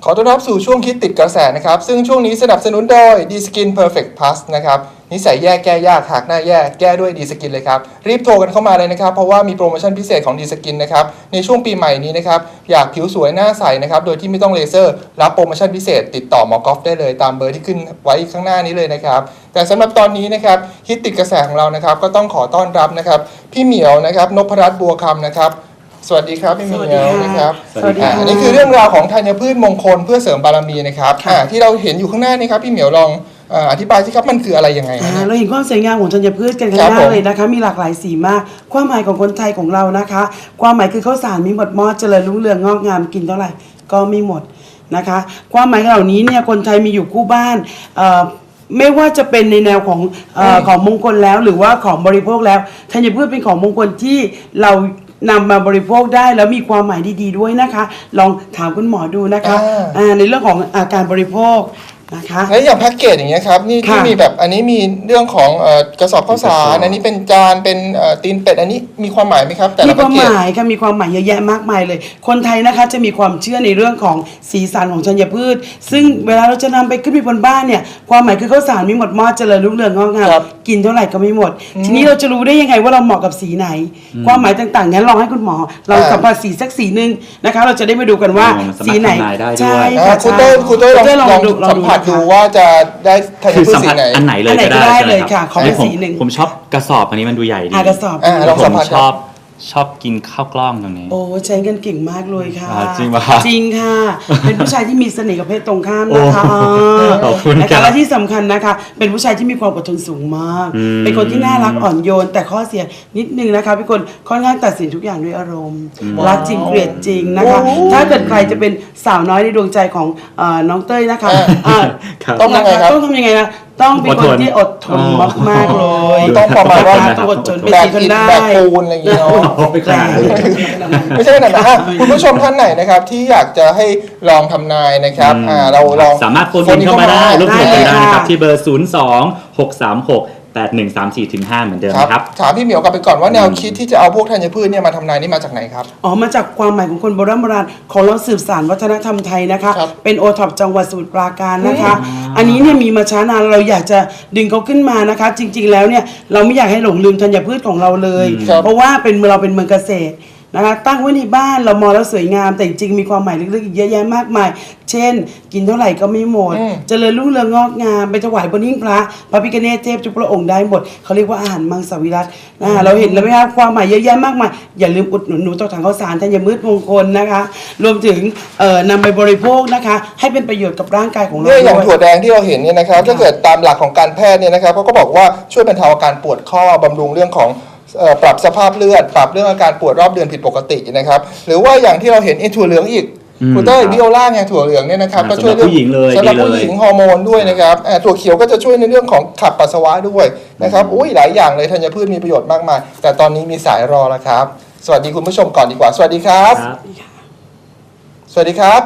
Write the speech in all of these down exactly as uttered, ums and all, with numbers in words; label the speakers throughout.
Speaker 1: ขอต้อนรับสู่ช่วงคิดติดกระแสนะครับซึ่งช่วงนี้สนับสนุนโดย D-Skin Perfect Plus นะครับนิสัยแย่แก้ยากหากหน้าแย่แก้ด้วย D-Skin เลยครับรีบโทรกันเข้ามาเลยนะครับเพราะว่ามีโปรโมชั่นพิเศษของ D-Skin นะครับในช่วงปีใหม่นี้นะครับอยากผิวสวยหน้าใสนะครับโดยที่ไม่ต้องเลเซอร์รับโปรโมชั่นพิเศษติดต่อหมอกอล์ฟได้เลยตามเบอร์ที่ขึ้นไว้ข้างหน้านี้เลยนะครับแต่สำหรับตอนนี้นะครับคิดติดกระแสของเรานะครับก็ต้องขอต้อนรับนะครับพี่เหมียวนะครับนพรัตน์บัวคำนะครับสวัสดีครับพี่เหมียวนะครับสวัสดีค่ะอันนี้คือเรื่องราวของธัญพืชมงคลเพื่อเสริมบารมีนะครับที่เราเห็นอยู่ข้างหน้านี้ครับพี่เหมียวลองอธิบายสิครับมันคืออะไรยังไง
Speaker 2: เราเห็นความสวยงามของธัญพืชกันข้างหน้าเลยนะคะมีหลากหลายสีมากความหมายของคนไทยของเรานะคะความหมายคือข้าวสารมีหมดมอดเจริญรุ่งเรืองงอกงามกินเท่าไหร่ก็ไม่หมดนะคะความหมายเหล่านี้เนี่ยคนไทยมีอยู่คู่บ้านไม่ว่าจะเป็นในแนวของเอ่อของมงคลแล้วหรือว่าของบริโภคแล้วธัญพืชเป็นของมงคลที่เรานำมาบริโภคได้แล้วมีความหมายดีๆด้วยนะคะลองถามคุณหมอดูนะคะในเรื่องของอาการบริโภคนะคะ
Speaker 1: แล้วอย่างแพ็กเกจอย่างเงี้ยครับนี่ที่มีแบบอันนี้มีเรื่องของกระสอบข้าวสารอันนี้เป็นจานเป็นตีนเป็ดอันนี้มีความหมายไหมครับแต่ละแพ็กเกจ
Speaker 2: มีความหมายค่ะมีความหมายเยอะแยะมากมายเลยคนไทยนะคะจะมีความเชื่อในเรื่องของสีสันของธัญพืชซึ่งเวลาเราจะนำไปขึ้นไปบนบ้านเนี่ยความหมายคือข้าวสารมีหมดมอดเจริญรุ่งเรืองงอกงามกินเท่าไหร่ก็ไม่หมดทีนี้เราจะรู้ได้ยังไงว่าเราเหมาะกับสีไหนความหมายต่างๆงั้นลองให้คุณหมอเราสัมผัสสีสักสีนึงนะคะเราจะได้มาดูกันว่าสีไหน
Speaker 3: ใช่
Speaker 1: ค่ะคุณเต้คุณเต้ลองสัมผัสดูว่าจะได้ธัญพืชสีไหน
Speaker 3: อันไหนเลยก็
Speaker 2: ได้เลยค่ะขอเป็นสีหนึ่ง
Speaker 3: ผมชอบกระสอบอันนี้มันดูใหญ่ดี
Speaker 2: กระสอบ
Speaker 1: ลองสัมผัส
Speaker 3: ชอบชอบกินข้าวกล้องตรงนี้
Speaker 2: โอ้ใช้กันเก่งมากเลยค่ะ
Speaker 3: จริงป่ะ
Speaker 2: จริงค่ะเป็นผู้ชายที่มีเสน่ห์กับเพศตรงข้ามนะคะ
Speaker 3: ขอบคุณ
Speaker 2: นะคะและที่สำคัญนะคะเป็นผู้ชายที่มีความอดทนสูงมากเป็นคนที่น่ารักอ่อนโยนแต่ข้อเสียนิดนึงนะคะเป็นคนค่อนข้างตัดสินทุกอย่างด้วยอารมณ์รักจริงเกลียดจริงนะคะถ้าเกิดใครจะเป็นสาวน้อยในดวงใจของน้องเต้ยนะคะ
Speaker 1: ต้องยังไงครับ
Speaker 2: ต้องทำยังไงนะต้องเป็นคนที่อดทนมากๆเลย
Speaker 1: ต้องประมาณว่า
Speaker 2: ต้องอดทนเป็น
Speaker 1: แบบ
Speaker 2: คนได้
Speaker 1: แบบปูนอะไรอย่างเงี้ยไม่ใช่ขนาดนั้นคุณผู้ชมท่านไหนนะครับที่อยากจะให้ลองทำนายนะครับเราลอง
Speaker 3: สามารถโฟนอินเข้ามาได้ร่วมสนุกกันได้นะครับที่เบอร์ศูนย์สอง หกสามหก แปดหนึ่งสามสี่ถึงห้าเหมือนเดิมครับ
Speaker 1: ถามพี่เหมียวกลับไปก่อนว่าแนวคิดที่จะเอาพวกธัญพืชเนี่ยมาทำนายนี่มาจากไหนครับ
Speaker 2: อ๋อมาจากความหมายของคนโบราณโบราณของเราสืบสานวัฒนธรรมไทยนะคะเป็นโอท็อปจังหวัดสมุทรปราการนะคะอันนี้เนี่ยมีมาช้านานเราอยากจะดึงเขาขึ้นมานะคะจริงๆแล้วเนี่ยเราไม่อยากให้หลงลืมธัญพืชของเราเลยเพราะว่าเป็นเราเป็นเมืองเกษตรนะคะตั้งไว้ในบ้านเรามองแล้วสวยงามแต่จริงๆมีความหมายลึกๆอีกเยอะแยะมากมายเช่นกินเท่าไหร่ก็ไม่หมดเจริญรุ่งเรืองงอกงามไปถวายบนหิ้งพระพระพิฆเนศเทพทุกพระองค์ได้หมดเขาเรียกว่าอาหารมังสวิรัตินะเราเห็นแล้วไหมครับความหมายเยอะแยะมากมายอย่าลืมอุดหนุนหนูต่อถังข้าวสารธัญพืชมงคลนะคะรวมถึงนำไปบริโภคนะคะให้เป็นประโยชน์กับร่างกายของเรา
Speaker 1: ด้วยอย่างถั่วแดงที่เราเห็นเนี่ยนะครับถ้าเกิดตามหลักของการแพทย์เนี่ยนะครับเขาก็บอกว่าช่วยบรรเทาอาการปวดข้อบำรุงเรื่องของปรับสภาพเลือดปรับเรื่องอาการปวดรอบเดือนผิดปกตินะครับหรือว่าอย่างที่เราเห็นไอ้ถั่วเหลืองอีกคุณเต้ยบิโอล่าไงถั่วเหลืองเนี่ยนะครับก็ช่วยเรื่องสำหรับผู้หญิงฮอร์โมนด้วยนะครับถั่วเขียวก็จะช่วยในเรื่องของขับปัสสาวะด้วยนะครับอุ้ยหลายอย่างเลยธัญพืชมีประโยชน์มากมายแต่ตอนนี้มีสายรอแล้วครับสวัสดีคุณผู้ชมก่อนดีกว่าสวัสดีครับสวัสดีครับ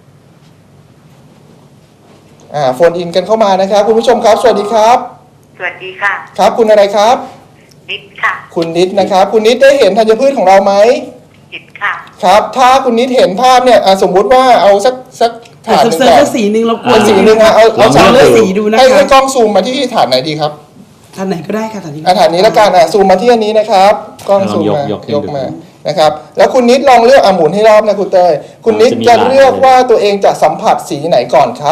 Speaker 1: อ่าโฟนอินกันเข้ามานะครับคุณผู้ชมครับสวัสดีครับ
Speaker 4: สวัสดีค่ะ
Speaker 1: ครับคุณอะไรครับ
Speaker 4: นิดค่ะ
Speaker 1: คุณนิดนะครับคุณนิดได้เห็นธัญพืชของเราไหม
Speaker 4: เห็นค่ะ
Speaker 1: ครับถ้าคุณนิดเห็นภาพเนี่ยสมมุติว่าเอาสักสัก
Speaker 2: ถาดหนึ่งก่อนสีหนึ่งเราควร
Speaker 1: สีหนึ่งฮะเอาเอา
Speaker 2: เลือกสีดูนะคะ
Speaker 1: ให้กล้องซูมมาที่ถาดไหนดีครับ
Speaker 2: ถาดไหนก็ได้ค่ะถาดนี้
Speaker 1: ถาดนี้ละกันอ่ะซูมมาที่อันนี้นะครับกล้องซูมมายกมานะครับแล้วคุณนิดลองเลือกอ่ะหมุนให้รอบนะคุณเต้ยคุณนิดจะเลือกว่าตัวเองจะสัมผัสสีไหนก่อนครับ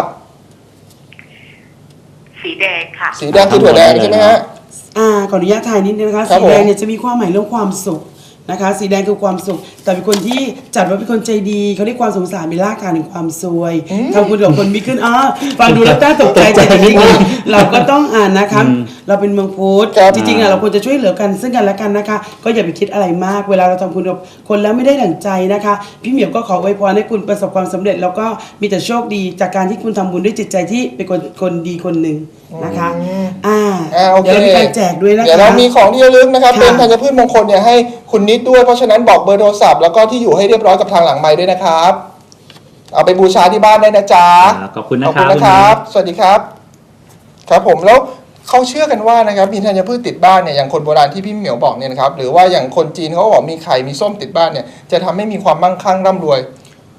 Speaker 4: สีแดงค่ะ
Speaker 1: สีแดงคือถั่วแดงใช่ไหมฮะ
Speaker 2: อ่าขออนุญาตถ่ายนิดนึงนะคะสีแดงเนี่ยจะมีความหมายเรื่องความสุขนะคะสีแดงคือความสุขแต่เป็นคนที่จัดว่าเป็นคนใจดีเขาเรียกความสงสารมีรากฐานแห่งความซวยทำคุณกับคนมีขึ้นอ๋อฟังดูแล้วน่าตกใจแต่จริงๆเราก็ต้องอ่านนะคะเราเป็นเมืองพุทธจริงๆอ่ะเราควรจะช่วยเหลือกันซึ่งกันและกันนะคะก็อย่าไปคิดอะไรมากเวลาเราทำคุณกับคนแล้วไม่ได้ดั่งใจนะคะพี่เหมียวก็ขออวยพรให้คุณประสบความสำเร็จแล้วก็มีแต่โชคดีจากการที่คุณทำบุญด้วยจิตใจที่เป็นคนคนดีคนหนึ่งนะคะอ่าเดี๋ยวเรามีการแจกด้วยนะคะ
Speaker 1: เดี๋ยวเรามีของที่ระลึกนะครับเป็นธัญพืชมงคลเนี่ยให้คุณนิดด้วยเพราะฉะนั้นบอกเบอร์โทรศัพท์แล้วก็ที่อยู่ให้เรียบร้อยกับทางหลังไมค์ด้วยนะครับเอาไปบูชาที่บ้านได้นะจ๊ะ
Speaker 3: ขอบคุณนะครับ
Speaker 1: นะครับสวัสดีครับครับผมแล้วเขาเชื่อกันว่านะครับมีธัญพืชติดบ้านเนี่ยอย่างคนโบราณที่พี่เหมียวบอกเนี่ยนะครับหรือว่าอย่างคนจีนเขาบอกมีไข่มีส้มติดบ้านเนี่ยจะทำให้มีความมั่งคั่งร่ำรวย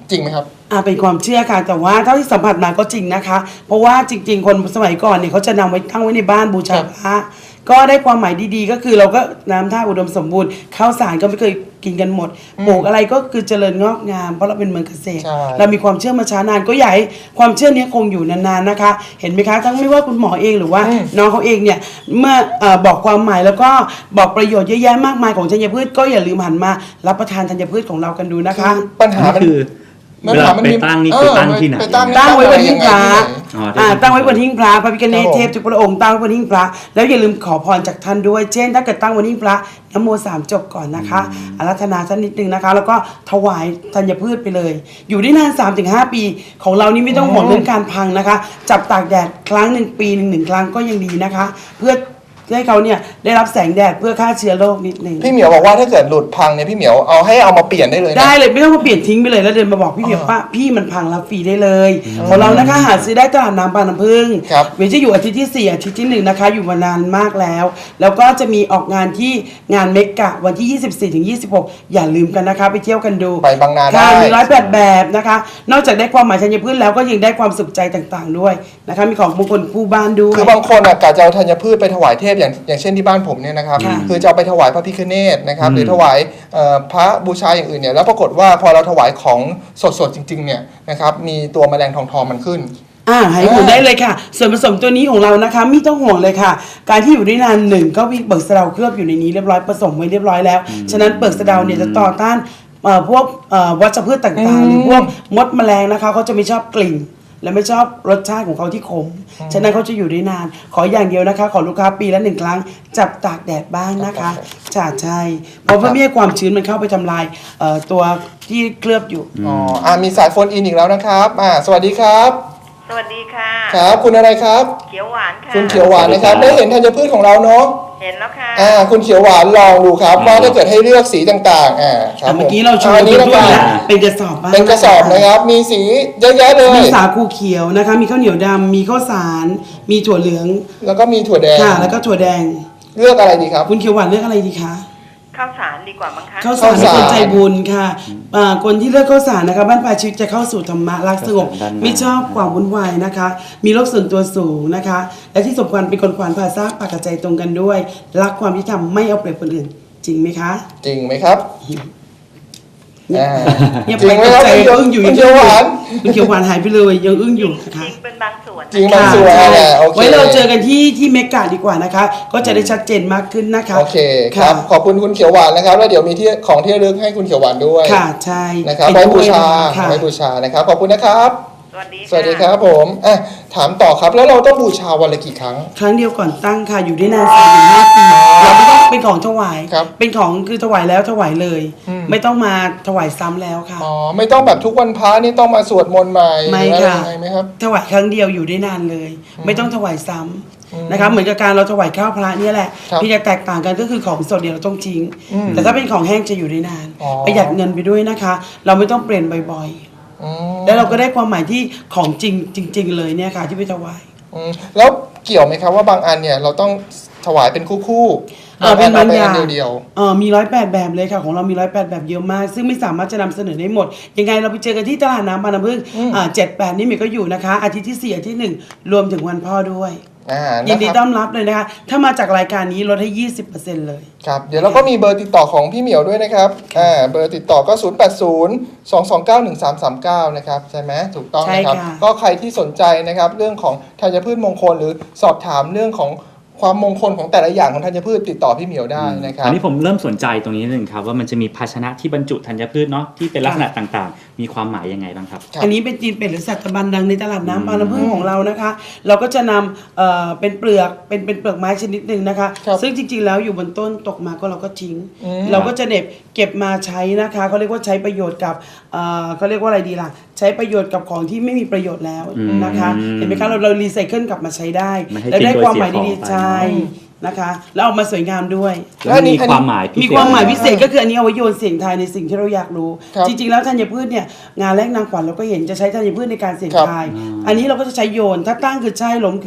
Speaker 1: จริงไหมครับ
Speaker 2: อ่าเป็นความเชื่อค่ะแต่ว่าเท่าที่สัมผัสมาก็จริงนะคะ เพราะว่าจริง ๆ คนสมัยก่อนเนี่ยเขาจะนำไว้ตั้งไว้ในบ้านบูชาพระก็ได้ความหมายดีๆ ก็คือเราก็น้ำท่าอุดมสมบูรณ์ข้าวสารก็ไม่เคยกินกันหมดปลูกอะไรก็คือเจริญงอกงามเพราะเราเป็นเมืองเกษตร
Speaker 1: ใช่
Speaker 2: เรามีความเชื่อมาช้านานก็อยากให้ความเชื่อนี้คงอยู่นานๆนะคะ เห็นไหมคะทั้งไม่ว่าคุณหมอเองหรือว่าน้องเขาเองเนี่ยเมื่อเอ่อบอกความหมายแล้วก็บอกประโยชน์เยอะแยะมากมายของธัญพืชก็อย่าลืมหันมารับประทานธัญพืชของเรากันดูนะคะ
Speaker 1: ปัญหา
Speaker 3: อัน
Speaker 1: มัน
Speaker 3: นี้คือ
Speaker 1: ปัญ
Speaker 3: เว
Speaker 1: หา
Speaker 3: ลา
Speaker 1: มัน
Speaker 3: ไป
Speaker 1: มี
Speaker 3: ตั้งนี่
Speaker 1: เอ
Speaker 3: คือ
Speaker 1: อ
Speaker 3: ตั้งที่ไหน
Speaker 1: ไปตั้ง
Speaker 2: ตั้งไว้บนหิ้งพระ
Speaker 3: อ๋อที่
Speaker 2: อ่า
Speaker 3: หิ้งพระ
Speaker 2: ตั้งไว้บนหิ้งพระพระพิฆเนศ
Speaker 1: ครับผม
Speaker 2: เทพทุกพระองค์ตั้งไว้บนหิ้งพระแล้วอย่าลืมขอพรจากท่านด้วย เช่น ถ้าเกิดตั้งบนหิ้งพระนะโมสามจบก่อนนะคะอารัธนาท่านนิดนึงนะคะ แล้วก็ถวายธัญพืชไปเลย อยู่ได้นาน สามถึงห้า ปีของเรานี่ไม่ต้องห่วงเรื่องการพังนะคะ จับตากแดดครั้งหนึ่งปีหนึ่งหนึ่งครั้งก็ยังดีนะคะ เพื่อให้เขาเนี่ยได้รับแสงแดดเพื่อฆ่าเชื้อโรคนิดนึง
Speaker 1: พี่เหมียวบอกว่าถ้าเกิดหลุดพังเนี่ยพี่เหมียวเอาให้เอามาเปลี่ยนได้เลยนะ
Speaker 2: ได้เลยไม่ต้องมาเปลี่ยนทิ้งไปเลยแล้วเดินมาบอกพี่เหมียวว่าพี่มันพังรับฟรีได้เลยของเรานะคะหาซื้อได้ตลาดน้ำบางน้ำพึ่ง
Speaker 1: ครับ
Speaker 2: เวนจะอยู่อาทิตย์ที่สี่อาทิตย์ที่หนึ่งนะคะอยู่มานานมากแล้ว แล้วก็จะมีออกงานที่งานเมกะวันที่ยี่สิบสี่ถึงยี่สิบหกอย่าลืมกันนะคะไปเที่ยวกันดู
Speaker 1: ไปบางนาได้
Speaker 2: ค่ะมีร้อยแปดแบบนะคะ นอกจากได้ความหมายธัญพืชแล้วก็ยังได้ความสุขใจต่างๆด้วยนะคะมีของมงคลคู่บ้านด้วย
Speaker 1: คือบางคนอ่ะกะจะเอาธัญพืชไปถวายเทพอย่างอย่างเช่นที่บ้านผมเนี่ยนะครับ
Speaker 2: ค่ะ
Speaker 1: คือจะเอาไปถวายพระพิฆเนศนะครับหรือถวายเอ่อพระบูชาอย่างอื่นเนี่ยแล้วปรากฏว่าพอเราถวายของสดๆจริงๆเนี่ยนะครับมีตัวแมลงทองทองมันขึ้น
Speaker 2: อ่าให้ห่วงได้เลยค่ะ ส่วนผสมตัวนี้ของเรานะคะไม่ต้องห่วงเลยค่ะ การที่อยู่ได้นานหนึ่งก็มีเปลือกสะเดาเคลือบอยู่ในนี้เรียบร้อยผสมไว้เรียบร้อยแล้วฉะนั้นเปลือกสะเดาเนี่ยจะต่อต้านเอ่อพวกเอ่อวัชพืชต่างๆ หรือพวกมดแมลงนะคะเขาจะไม่ชอบกลิ่น และไม่ชอบรสชาติของเขาที่ขมฉะนั้นเขาจะอยู่ได้นาน ขออย่างเดียวนะคะ ขอลูกค้าปีละหนึ่งครั้งจับตากแดดบ้างนะคะจ่าใช่เพราะเพื่อไม่ให้ความชื้นมันเข้าไปทำลายเอ่อตัวที่เคลือบอยู่
Speaker 1: อ๋ออ่ามีสายโฟนอินอีกแล้วนะครับอ่าสวัสดีครับ
Speaker 4: สวัสดีค่ะ
Speaker 1: ครับคุณอะไรครับ
Speaker 4: เขียวหวานค่ะ
Speaker 1: คุณเขียวหวานนะครับ ได้เห็นธัญพืชของเราเนาะ
Speaker 4: เห็นแล้วค่ะ
Speaker 1: อ่าคุณเขียวหวานลองดูครับว่าถ้าเกิดให้เลือกสีต่างๆอ่าครับ
Speaker 2: เมื่อกี้เราโชว์
Speaker 1: อัน
Speaker 2: ไป
Speaker 1: นี้
Speaker 2: ด้
Speaker 1: นะ
Speaker 2: วย
Speaker 1: ครับ
Speaker 2: นะเป็นกระสอบบ้าง
Speaker 1: เป็นกระสอบนะครับ มีสีเยอะแยะเลย
Speaker 2: มีสาคูเขียวนะคะ มีข้าวเหนียวดำมีข้าวสารมีถั่วเหลือง
Speaker 1: แล้วก็มีถั่วแดง
Speaker 2: ค่ะ แล้วก็ถั่วแดง
Speaker 1: เลือกอะไรดีครับ
Speaker 2: คุณเขียวหวานเลือกอะไรดีคะ
Speaker 4: ข้าวสารดีกว่ามั้งคะ
Speaker 2: ข้าวสาร
Speaker 1: ข้าวสาร
Speaker 2: คนใจบุญค่ะอ่าคนที่เลือกข้าวสารนะคะบ้านปลายชีวิตจะเข้าสู่ธรรมะรักสงบ
Speaker 3: ข้าวสารด้านหน้า
Speaker 2: ไม่ชอบความวุ่นวายนะคะ มีโรคส่วนตัวสูงนะคะ และที่สำคัญเป็นคนขวานผ่าซากปากกับใจตรงกันด้วย รักความยุติธรรมไม่เอาเปรียบคนอื่น จริงไหมคะ
Speaker 1: จริงไหมครับ
Speaker 2: เนี่ย
Speaker 1: อ่า
Speaker 2: เนี่ย
Speaker 1: จริ
Speaker 2: ไป
Speaker 1: งไหม
Speaker 2: ตก
Speaker 1: ครับ
Speaker 2: ใจ
Speaker 1: คุณเขียว
Speaker 2: อึ้งอยู่
Speaker 1: คุณเขียวหวาน
Speaker 2: คุณเขียวหวานหายไปเลยยังอึ้งอยู่
Speaker 4: จ
Speaker 2: นะคะ
Speaker 4: ริงๆเป็นบางส่วน
Speaker 1: จริงบางส่วน
Speaker 2: ค่ะ
Speaker 1: แหละโอเค
Speaker 2: ไว้เราเจอกันที่ที่เมกาดีกว่านะคะ ก็จะได้ชัดเจนมากขึ้นนะคะ
Speaker 1: โอเคครับ ขอบคุณคุณเขียวหวานนะครับ แล้วเดี๋ยวมีที่ของที่ระลึกให้คุณเขียวหวานด้วย
Speaker 2: ค่ะใช่
Speaker 1: นะครับ
Speaker 2: เป็
Speaker 1: ไว้
Speaker 2: น
Speaker 1: บูชา
Speaker 2: ค่ะ
Speaker 1: ไว้บูชานะครับ ขอบคุณนะครับ
Speaker 4: สวัสดี
Speaker 1: สวัสดีครับผมอ่ะถามต่อครับ แล้วเราต้องบูชาวันละกี่ครั้ง
Speaker 2: ครั้งเดียวก่อนตั้งค่ะอยู่ได้นานสามถึงห้าปีเราไม่ต้องเป็นของถวาย
Speaker 1: ครับ
Speaker 2: เป็นของคือถวายแล้วถวายเลย
Speaker 1: อืม
Speaker 2: ไม่ต้องมาถวายซ้ำแล้วค่ะ
Speaker 1: อ๋อ ไม่ต้องแบบทุกวันพระนี่ต้องมาสวดมนต์ใหม่
Speaker 2: ไม่
Speaker 1: หรืออะไร
Speaker 2: ค่ะ
Speaker 1: ยังไงไหมครับ
Speaker 2: ถวายครั้งเดียวอยู่ได้นานเลย ไม่ต้องถวายซ้ำนะคะเหมือนกับการเราถวายข้าวพระเนี่ยแหละ
Speaker 1: ครับ
Speaker 2: ที่จะแตกต่างกันก็คือของสดเดี๋ยวเราต้องทิ้ง
Speaker 1: อืม
Speaker 2: แต่ถ้าเป็นของแห้งจะอยู่ได้นาน
Speaker 1: อ๋อ
Speaker 2: ประหยัดเงินไปด้วยนะคะ เราไม่ต้องเปลี่ยนบ่อยๆ
Speaker 1: อืม
Speaker 2: แล้วเราก็ได้ความหมายที่ของจริงจริง ๆ เลยเนี่ยค่ะที่ไปถวาย
Speaker 1: อืมแล้วเกี่ยวไหมครับว่าบางอันเนี่ยเราต้องถวายเป็นคู่คู่ๆ
Speaker 2: เออเป็นบาง
Speaker 1: อั
Speaker 2: อย่าง
Speaker 1: เดียวเดียว
Speaker 2: เออมีร้อยแปดแบบเลยค่ะของเรามีร้อยแปดแบบเยอะมาก ซึ่งไม่สามารถจะนำเสนอได้หมด ยังไงเราไปเจอกันที่ตลาดน้ำบางน้ำพึ่งอ่าเจ็ดแปดนี่มีก็อยู่นะคะ อาทิตย์ที่สี่อาทิตย์หนึ่งรวมถึงวันพ่อด้วย
Speaker 1: อ่า
Speaker 2: ยินดี
Speaker 1: นะค
Speaker 2: ต้
Speaker 1: รับ
Speaker 2: อนรับเลยนะคะ ถ้ามาจากรายการนี้ลดให้ ยี่สิบเปอร์เซ็นต์ เลย
Speaker 1: ครับเดี๋ยวเราก็มีเบอร์ติดต่อของพี่เหมียวด้วยนะครับอ่าเบอร์ติดต่อก็ ศูนย์ แปด ศูนย์ สอง สอง เก้า หนึ่ง สาม สาม เก้า นะครับใช่ไหมถูกต้องนะครับ
Speaker 2: ใช่ค่ะ
Speaker 1: ก็ใครที่สนใจนะครับเรื่องของธัญพืชมงคลหรือสอบถามเรื่องของความมงคลของแต่ละอย่างของธัญพืชติดต่อพี่เหมียวได้นะครับ
Speaker 3: อันนี้ผมเริ่มสนใจตรงนี้นิดนึงครับว่ามันจะมีภาชนะที่บรรจุธัญพืชเนาะที่เป็นลักษณะต่างๆ มีความหมายยังไงบ้างครับ
Speaker 1: ครับ
Speaker 2: อันนี้เป็นจีนเป็ดหรือสัตบันดังในตลาด
Speaker 3: อืม
Speaker 2: น้ำบางน้ำพึ่งของเรานะคะ เราก็จะนำเอ่อเป็นเปลือกเป็นเป็นเปลือกไม้ชนิดหนึ่งนะคะ
Speaker 1: ครับ
Speaker 2: ซึ่งจริงๆแล้วอยู่บนต้นตกมาก็เราก็ทิ้ง
Speaker 1: อืม
Speaker 2: เราก็จะเด็บเก็บมาใช้นะคะเขาเรียกว่าใช้ประโยชน์กับเอ่อเขาเรียกว่าอะไรดีล่ะ ใช้ประโยชน์กับของที่ไม่มีประโยชน์แล้วนะคะ
Speaker 3: อืม
Speaker 2: เห็นไหมคะเราเรารีไซเคิลกลับมาใช้ได้
Speaker 3: ไม่ให้
Speaker 2: และได้
Speaker 3: ทิ้งโดย
Speaker 2: ความหมาย
Speaker 3: เสียของ
Speaker 2: ดี
Speaker 3: ไป
Speaker 2: ๆใช่นะคะ แล้วออกมาสวยงามด้วย
Speaker 3: แล้วมันมีความหมายพิเศษ
Speaker 2: มีความหมายพิเศษก็คืออันนี้เอาไว้โยนเสียงทายในสิ่งที่เราอยากรู้
Speaker 1: ครับ
Speaker 2: จริงๆแล้วธัญพืชเนี่ยงานแรกนางขวัญเราก็เห็นจะใช้ธัญพืชในการเสี่ยง
Speaker 1: ครับ
Speaker 2: ทาย อันนี้เราก็จะใช้โยนถ้าตั้งคือใช่ล้มคือ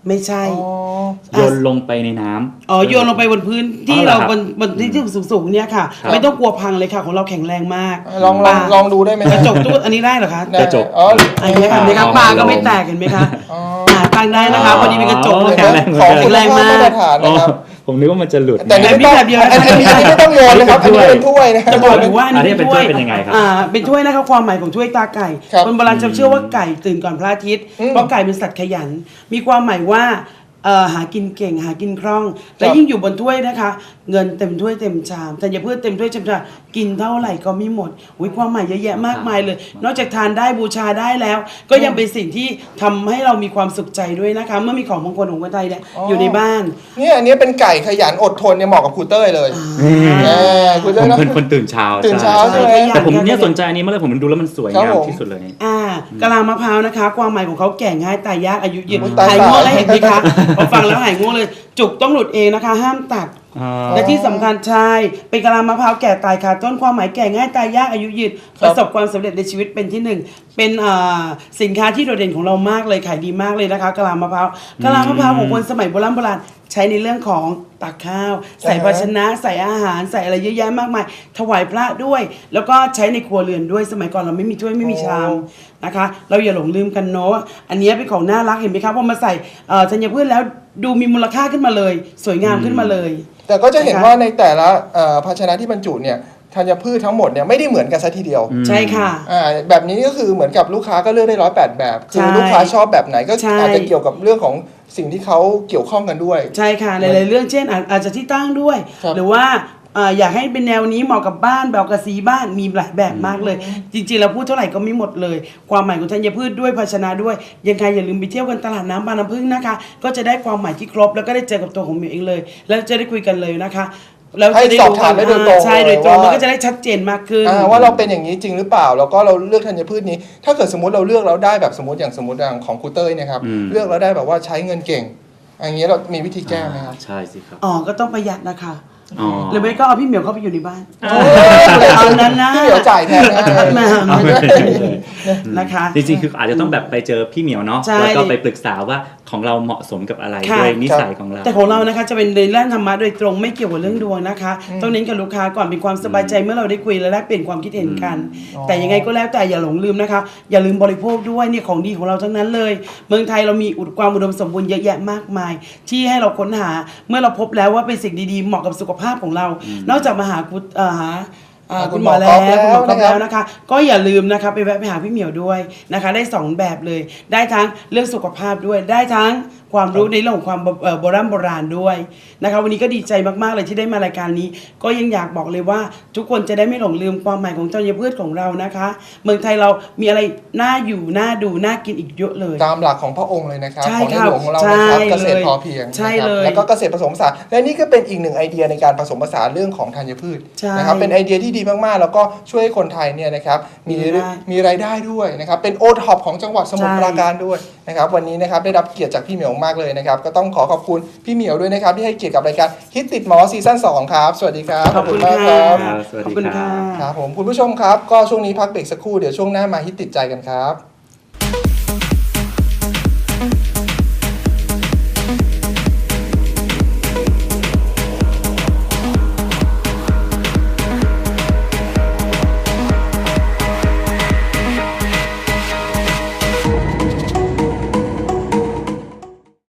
Speaker 2: ไม่ใช่
Speaker 1: อ๋อ
Speaker 3: โยนลงไปในน้ำ
Speaker 2: อ๋อโยนลงไปบนพื้นที่
Speaker 3: อ๋อเหรอ
Speaker 2: เรา
Speaker 3: ครับ
Speaker 2: บนบนที่ที่สูงๆเนี่ยค่ะ
Speaker 3: ครับ
Speaker 2: ไม่ต้องกลัวพังเลยค่ะของเราแข็งแรงมาก
Speaker 1: ลองลองลองดูได้ไหม
Speaker 2: กระจกตู้อันนี้ได้เหรอคะ
Speaker 1: ได้
Speaker 3: กระจก
Speaker 1: อ๋อ
Speaker 2: อันนี้ค่ะเห็นไหมคะ
Speaker 3: อ๋อ
Speaker 2: ปลาก็ไม่แตกเห็นไหมคะ
Speaker 1: อ๋อ
Speaker 2: อ่าตั้งได้นะคะพอดีเป็นกระจกเลย
Speaker 3: แข็
Speaker 2: ค่ะ
Speaker 3: งแรง
Speaker 1: ของ
Speaker 2: แข็
Speaker 1: คุณ
Speaker 2: งแรง
Speaker 1: ภาพ
Speaker 2: มาก
Speaker 1: มาตรฐาน
Speaker 3: อ๋อ
Speaker 1: นะครับ
Speaker 3: ผมนึกว่ามันจะหลุด
Speaker 1: แต่นี่ไม่ต้อง
Speaker 2: แบบเดียวนะ
Speaker 1: อันอันนี้อันนี้ไม่ต้องโยนนะครับอันนี้เป็นถ้วยนะครับ
Speaker 2: จะบอกอยู่ว่า
Speaker 3: อันนี้เป็นถ้วยเป็นยังไงครับ
Speaker 2: อ่าเป็นถ้วยนะครับความหมายของถ้วยตาไก่
Speaker 1: ครับ
Speaker 2: คนโบราณจะเชื่อว่าไก่ตื่นก่อนพระอาทิตย์
Speaker 1: อืม
Speaker 2: เพราะไก่เป็นสัตว์ขยัน มีความหมายว่าเอ่อหากินเก่งหากินคล่อง และ
Speaker 1: ครับ
Speaker 2: ยิ่งอยู่บนถ้วยนะคะ เงินเต็มถ้วยเต็มชามแต่อย่าเพื่อเต็มถ้วยเต็มชามกินเท่าไหร่ก็ไม่หมดอุ้ยความหมายเยอะแยะมากมายเลย นอกจากทานได้บูชาได้แล้ว ก็ยังเป็นสิ่งที่ทำให้เรามีความสุขใจด้วยนะคะ เมื่อมีของมงคลของคนไทยเนี่ย
Speaker 1: อ๋อ
Speaker 2: อ
Speaker 1: อ
Speaker 2: ยู่ในบ้าน
Speaker 1: เนี่ยอันนี้เป็นไก่ขยันอดทนเนี่ยเหมาะกับครูเต้ยเลยเออครู
Speaker 3: ผ
Speaker 1: เต้ย
Speaker 3: ม
Speaker 1: นะ
Speaker 3: เป็นคนตื่นเช้า
Speaker 1: ตื่นเช้า
Speaker 3: ใช่
Speaker 1: ใช่ไหม
Speaker 3: แต่ผมเนี่ยสนใจอันนี้มากเลยผมดูแล้วมันสวย
Speaker 1: ครับ
Speaker 3: งาม
Speaker 1: ผม
Speaker 3: ที่สุดเลย
Speaker 2: อ่ากะลามะพร้าวนะคะ ความหมายของเขาแก่ง่ายตายยากอายุยืน
Speaker 1: อุ๊ยตาย
Speaker 2: หายง่วง
Speaker 1: ตาย
Speaker 2: แล้วเห็นไหมคะพอฟังแล้วหายง่วงเลย จุกต้องหลุดเองนะคะ ห้ามตัด
Speaker 3: อ๋อ
Speaker 2: และที่สำคัญใช่เป็นกะลามะพร้าวแก่ตายขาดต้นความหมายแก่ง่ายตายยากอายุยืน
Speaker 1: ค
Speaker 2: ป
Speaker 1: รับ
Speaker 2: ระสบความสำเร็จในชีวิตเป็นที่หนึ่งเป็นอ่าสินค้าที่โดดเด่นของเรามากเลยขายดีมากเลยนะคะกะลามะพร้าวกะลามะพร้าวของคนสมัยโบราณโบราณใช้ในเรื่องของตักข้าว ใส่ภาชนะใส่อาหารใส่อะไรเยอะแยะมากมาย ถวายพระด้วย แล้วก็ใช้ในครัวเรือนด้วยสมัยก่อนเราไม่มีถ้วยไม่มีชาม นะคะ เราอย่าหลงลืมกันเนาะอันนี้เป็นของน่ารักเห็นไหมครับพอมาใส่เอ่อธัญพืชแล้วดูมีมูลค่าขึ้นมาเลย สวยงามขึ้นมาเลย
Speaker 1: แต่ก็จะเห็นว่าในแต่ละเอ่อภาชนะที่บรรจุเนี่ยธัญพืชทั้งหมดเนี่ยไม่ได้เหมือนกันซะทีเดียว
Speaker 2: ใช่ค่ะ
Speaker 1: อ่าแบบนี้ก็คือเหมือนกับลูกค้าก็เลือกได้ร้อยแปดแบบคื
Speaker 2: ใช่
Speaker 1: อลูกค้าชอบแบบไหนก็
Speaker 2: ใช่
Speaker 1: อาจจะเกี่ยวกับเรื่องของสิ่งที่เขาเกี่ยวข้องกันด้วย
Speaker 2: ใช่ค่ะหลายๆเรื่องเช่นอาจอาจจะที่ตั้งด้วย
Speaker 1: ครับ
Speaker 2: หรือว่าเอ่ออยากให้เป็นแนวนี้เหมาะกับบ้านแบบกับสีบ้านมีหลายแบบมากเลย จริงๆเราพูดเท่าไหร่ก็ไม่หมดเลย ความหมายของธัญพืชด้วยภาชนะด้วย ยังไงอย่าลืมไปเที่ยวกันตลาดน้ำบางน้ำพึ่งนะคะ ก็จะได้ความหมายที่ครบแล้วก็ได้เจอกับตัวของมิวเองเลย แล้วจะได้คุยกันเลยนะคะแล้ว
Speaker 1: ให้
Speaker 2: จะได้
Speaker 1: สอบถามได้โดยตรง
Speaker 2: ใช่โดยตรง
Speaker 1: เลยว่ามั
Speaker 2: มันก็จะได้ชัดเจนมากขึ้น
Speaker 1: อ่าว่าเราเป็นอย่างนี้จริงหรือเปล่า แล้วก็เราเลือกธัญพืชนี้ ถ้าเกิดสมมติเราเลือกแล้วได้แบบสมมติอย่างสมมติอย่างของครูเต้ยเนะครับ
Speaker 3: อืม
Speaker 1: เลือกแล้วได้แบบว่าใช้เงินเก่งอย่างเงี้ยเรามีวิธีแก้ไหมครับ
Speaker 3: ใช่สิครับ
Speaker 2: อ๋อก็ต้องประหยัดนะคะ
Speaker 3: อ๋อ
Speaker 2: หรือไม่ก็เอาพี่เหมียวเข้าไปอยู่ในบ้าน
Speaker 1: โอ้ย
Speaker 2: เอานั้นนะ
Speaker 1: พี่เหมียวจ่ายแทนนะ
Speaker 2: แม่
Speaker 3: เอาไปเลย
Speaker 2: นะคะ
Speaker 3: จริงๆ คืออาจจะต้องแบบไปเจอพี่เหมียวเนาะ
Speaker 2: ใช่
Speaker 3: แล้วก็ไปปรึกษาว่าของเราเหมาะสมกับอะไร
Speaker 2: ค่ะ
Speaker 3: ด้วยนิสัยของเรา
Speaker 2: แต่ของเรานะคะจะเป็นในด้านธรรมะโดยตรงไม่เกี่ยวกับเรื่องดวงนะคะ ต้องเน้นกับลูกค้าก่อนเป็นความสบายใจเมื่อเราได้คุยและแลกเปลี่ยนความคิดเห็นกัน
Speaker 1: อ๋อ
Speaker 2: แต่ยังไงก็แล้วแต่อย่าหลงลืมนะคะ อย่าลืมบริโภคด้วยเนี่ยของดีของเราทั้งนั้นเลย เมืองไทยเรามีอุดความอุดมสมบูรณ์เยอะแยะมากมาย ที่ให้เราค้นหาเมื่อเราพบแล้วว่าเป็นสิ่งดีๆเหมาะกับสุขภาพของเรา นอกจากมาหาคุณเอ่อหาอ่า
Speaker 1: คุ
Speaker 2: คุณ
Speaker 1: ณ
Speaker 2: ห
Speaker 1: ห
Speaker 2: ม
Speaker 1: ม
Speaker 2: อ
Speaker 1: อ
Speaker 2: แล้ว
Speaker 1: ก๊อฟ
Speaker 2: คุณหมอก๊อฟ
Speaker 1: แล้วนะครับ
Speaker 2: แล้วนะคะ ก็อย่าลืมนะคะไปแวะไปหาพี่เหมียวด้วยนะคะ ได้สองแบบเลย ได้ทั้งเรื่องสุขภาพด้วย ได้ทั้งความรู้ในเรื่องของความเอ่อโบราณโบราณด้วยนะคะวันนี้ก็ดีใจมากๆเลยที่ได้มารายการนี้ ก็ยังอยากบอกเลยว่า ทุกคนจะได้ไม่หลงลืมความหมายของธัญพืชของเรานะคะ เมืองไทยเรามีอะไรน่าอยู่น่าดูน่ากินอีกเยอะเลย
Speaker 1: ตามหลักของพระองค์เลยนะครับ
Speaker 2: ใช่
Speaker 1: ของใน
Speaker 2: ครับ
Speaker 1: หลวงของเรานะครับ
Speaker 2: ใช่
Speaker 1: เกษตร
Speaker 2: เลย
Speaker 1: พอเพียง
Speaker 2: ใช่
Speaker 1: นะครับ
Speaker 2: เลย
Speaker 1: แล้วก็เกษตรผสมผสานและนี่ก็เป็นอีกหนึ่งไอเดียในการผสมผสานเรื่องของธัญพืช
Speaker 2: ใช่
Speaker 1: นะครับเป็นไอเดียที่ดีมากๆ แล้วก็ช่วยให้คนไทยเนี่ยนะครับมี
Speaker 2: มีรายได้
Speaker 1: มีรายได้ด้วยนะครับเป็นโอท็อปของจังหวัดสมุทร
Speaker 2: ใช่
Speaker 1: ปราการด้วยนะครับวันนี้นะครับได้รับเกียรติจากพี่เหมียวมากเลยนะครับก็ต้องขอขอบคุณพี่เหมียวด้วยนะครับที่ให้เกียรติกับรายการฮิตติดหมอซีซั่นสองครับสวัสดีครับ
Speaker 2: ขอบคุณ
Speaker 1: มาก
Speaker 2: ค่ะ
Speaker 1: ครับ
Speaker 3: สวัสดี
Speaker 2: ขอบคุณ
Speaker 3: ครั
Speaker 2: ค่ะ
Speaker 3: บ
Speaker 1: ครับผมคุณผู้ชมครับก็ช่วงนี้พักเบรกสักครู่เดี๋ยวช่วงหน้ามาฮิตติดใจกันครับ